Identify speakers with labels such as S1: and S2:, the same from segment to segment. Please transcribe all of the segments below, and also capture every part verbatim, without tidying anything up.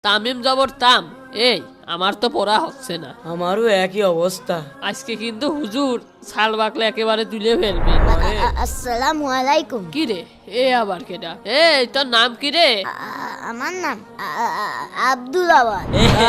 S1: তামিম জবর তাম। এই আমার তো পড়া হচ্ছে না।
S2: আমারও একই অবস্থা।
S1: আজকে কিন্তু হুজুর ছাল বাকলে একেবারে তুলে ফেলবি।
S3: আসসালামু আলাইকুম।
S1: কি রে এ আবার কেডা? এই তোর নাম কি রে?
S3: আমার নাম আব্দুল আওয়াল।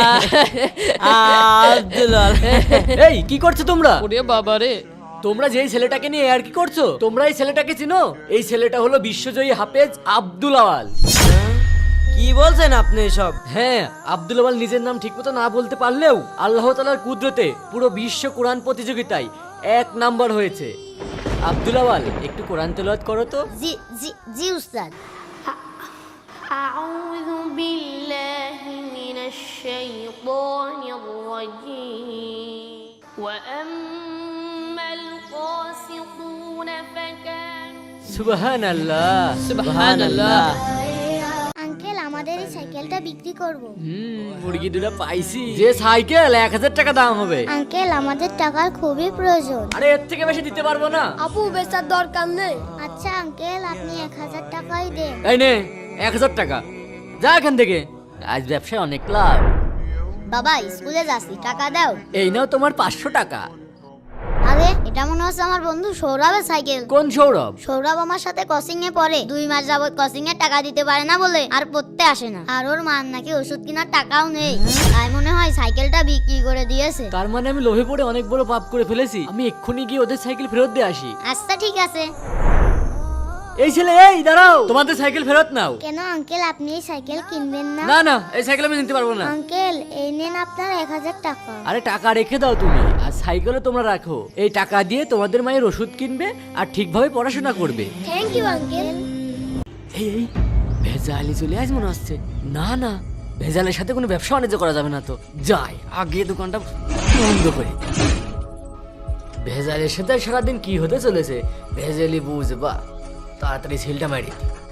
S2: আব্দুল আওয়াল। এই কি করছো তোমরা?
S1: ওরে বাবা রে,
S2: তোমরা যেই ছেলেটাকে নিয়ে আর কি করছো? তোমরা এই ছেলেটাকে চিনো? এই ছেলেটা হলো বিশ্বজয়ী হাফেজ আব্দুল আওয়াল। কি বলছেন আপনি এসব? হ্যাঁ, আব্দুল আওয়াল নিজের নাম ঠিকমতো না বলতে পারলেও আল্লাহ তাআলার কুদরতে পুরো বিশ্ব কোরআন প্রতিযোগিতায় এক নাম্বার হয়েছে। আব্দুল আওয়াল একটু কোরআন তেলাওয়াত করো তো।
S3: জি জি জি উস্তাদ।
S4: আউযু বিল্লাহি মিনাশ শাইতানির রাজীম। ওয়া আম্মাল কাসিতুনা ফাকানু
S2: সুবহানাল্লাহ
S1: সুবহানাল্লাহ।
S3: আঙ্কেল, আমাদের এই সাইকেলটা বিক্রি করব।
S2: হুম, মুরগি দুটো পাইছি। যে সাইকেল এক হাজার টাকা দাম হবে।
S3: আঙ্কেল, আমাদের টাকার খুবই প্রয়োজন।
S2: আরে এর থেকে বেশি দিতে পারবো না।
S3: আপু, বেচার দরকার নেই। আচ্ছা আঙ্কেল, আপনি এক হাজার টাকাই দেন।
S2: এই নে এক হাজার টাকা, যা এখান থেকে। আজ ব্যবসায় অনেক লাভ।
S3: বাবা, স্কুলে যাচ্ছি, টাকা দাও।
S2: এই নাও তোমার পাঁচশো টাকা।
S3: আরে, এটা মনে হচ্ছে আমার বন্ধু সৌরভের সাইকেল।
S2: কোন সৌরভ?
S3: সৌরভ আমার সাথে কোচিং এ পড়ে। দুই মাস যাবত কোচিং এর টাকা দিতে পারে না বলে আর পড়তে আসে না। আর ওর মার নাকি ওষুধ কেনার টাকাও নেই। তাই মনে হয় সাইকেলটা বিক্রি করে দিয়েছে।
S2: তার মানে আমি লোভে পড়ে অনেক বড় পাপ করে ফেলেছি। আমি এক্ষুনি গিয়ে ওদের সাইকেল ফেরত দিয়ে আসি।
S3: আচ্ছা ঠিক আছে।
S2: এই ছেলে, এই দাঁড়াও, তোমাদের সাইকেল ফেরত নাও।
S3: কেন আঙ্কেল, আপনি এই সাইকেল কিনবেন না?
S2: না না, এই সাইকেল আমি নিতে পারবো না।
S3: আঙ্কেল, এই নেন আপনার এক হাজার টাকা।
S2: আরে টাকা রেখে দাও তুমি, আর সাইকেলও তোমরা রাখো। এই টাকা দিয়ে তোমাদের মায়ের ওষুধ কিনবে আর ঠিকভাবে পড়াশোনা করবে।
S3: Thank you uncle.
S2: এই এই ভেজালি চলে আস মনে হচ্ছে। না না, ভেজালের সাথে কোনো ব্যবসা বাণিজ্য করা যাবে না তো। যাই আগে দোকানটা বন্ধ করে। ভেজালের সাথে সারাদিন কি হতে চলেছে ভেজালি বুঝবা। তাড়াতাড়ি সেলটা মারি।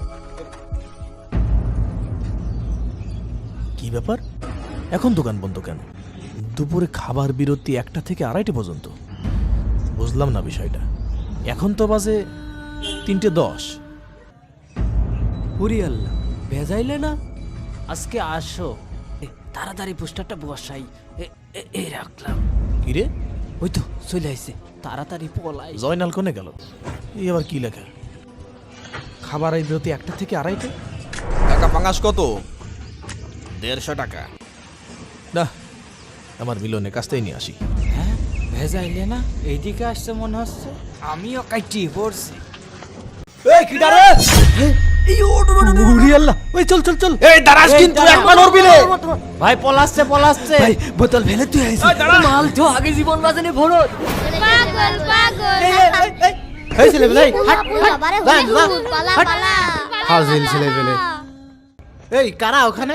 S5: কি ব্যাপার, এখন দোকান বন্ধ কেন? দুপুরে খাবার বিরতি একটা থেকে আড়াইটে পর্যন্ত। বুঝলাম না বিষয়টা। এখন তো বাজে তিনটে দশ।
S2: পুরি আল্লাহ, ভেজাইলে না আজকে আসো। এ, তাড়াতাড়ি পোস্টারটা বসাই। এ- এ- এই রাখলাম।
S5: কিরে,
S2: ওই তো চলে আইছে, তাড়াতাড়ি পলাই।
S5: জয়নাল কোনে গেল? এই আবার কি লেখা? খাবার এই বিরতি একটা থেকে আড়াইটে।
S6: টাকা পাঙ্গাস কত? দেড়শো টাকা।
S5: না, আমার মিলনের কাছটাই নিয়ে আসি।
S7: হ্যাঁ, ভেজাইলে না এইদিকে আসছে মনে হচ্ছে। আমিও কাইটি পড়ছি।
S5: এই কি দাঁড়া? এই ওট ওট ওট। উরি আল্লাহ, ওই চল চল চল।
S6: এই দাঁড়াস কিন্তু একবার নড়বি রে।
S7: ভাই পলাচ্ছে পলাচ্ছে।
S5: ভাই বোতল ফেলে তুই আইছিস।
S2: মাল তো আগে জীবন বাঁচানি ভরত।
S3: পাগল পাগল।
S5: এই ছেলে ভাই,
S3: আপু, বাবারে হুজুর, পালা পালা।
S5: হাজিল ছেলে ফেলে।
S7: এই কারা ওখানে?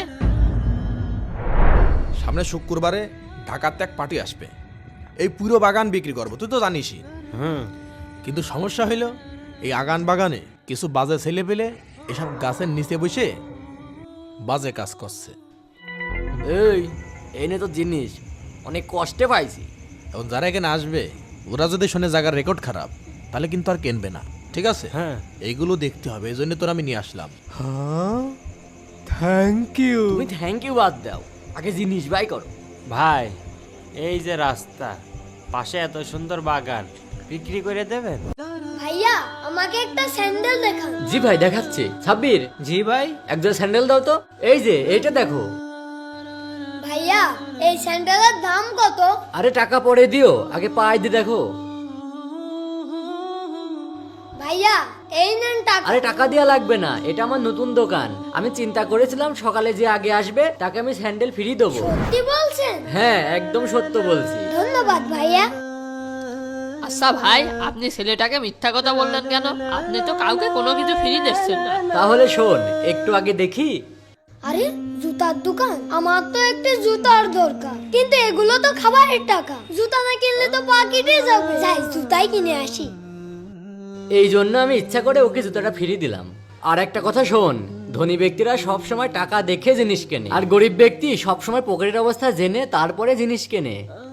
S6: সামনে শুক্রবারে ঢাকাতে এক পার্টি আসবে। এই পুরো বাগান বিক্রি করবো, তুই তো জানিসই।
S5: হুম, কিন্তু সমস্যা হইলো এই আগান বাগানে কিছু বাজে ছেলে পেলে এসব গাছের নিচে বসে বাজে কাজ করছে।
S2: এই এই নে তো জিনিস, অনেক কষ্টে পাইছি।
S5: এখন যারা এখানে আসবে ওরা যদি শুনে জায়গার রেকর্ড খারাপ তাহলে কিন্তু আর কিনবে না, ঠিক আছে?
S7: হ্যাঁ,
S5: এইগুলো দেখতে হবে, এই জন্য তোর আমি নিয়ে আসলাম।
S7: থ্যাংক ইউ
S2: তুমি থ্যাংক ইউ বাদ দাও, আগে জিনিস বাই করো।
S7: ভাই। এই যে রাস্তা, পাশে এত সুন্দর বাগান, বিক্রি করে দেবেন?
S3: ভাইয়া, আমাকে একটা স্যান্ডেল দেখান।
S2: জি ভাই দেখাচ্ছি। সাব্বির,
S7: জি ভাই।
S2: একজন স্যান্ডেল দাও তো। এই যে এইটা দেখো।
S3: ভাইয়া, এই স্যান্ডেলের দাম কত?
S2: আরে টাকা পরে দিও, আগে পায়ে দিয়ে দেখো।
S3: ভাইয়া, এই নেন টাকা।
S2: আরে টাকা দেওয়া লাগবে না, এটা আমার নতুন দোকান। আমি চিন্তা করেছিলাম সকালে যে আগে আসবে তাকে আমি স্যান্ডেল ফ্রি দেবো।
S3: কি বলছেন?
S2: হ্যাঁ, একদম সত্য বলছি।
S3: ধন্যবাদ ভাইয়া।
S1: আচ্ছা ভাই, আপনি ছেলেটাকে মিথ্যা কথা বললেন কেন? আপনি তো কাউকে কোনো কিছু ফ্রি দিচ্ছেন না।
S2: তাহলে শোন, একটু আগে দেখি।
S3: আরে, জুতার দোকান? আমার তো একটা জুতার দরকার, কিন্তু এগুলো তো খাবারের টাকা। জুতা না কিনলে তো পা কেটে যাবে। যাই জুতাই কিনে আসি।
S2: এই জন্য আমি ইচ্ছা করে ওকে জুতাটা ফ্রি দিলাম। আর একটা কথা শোন, ধনী ব্যক্তিরা সব সময় টাকা দেখে জিনিস কেনে, আর গরিব ব্যক্তি সব সময় পকেটের অবস্থা জেনে তারপরে জিনিস কেনে।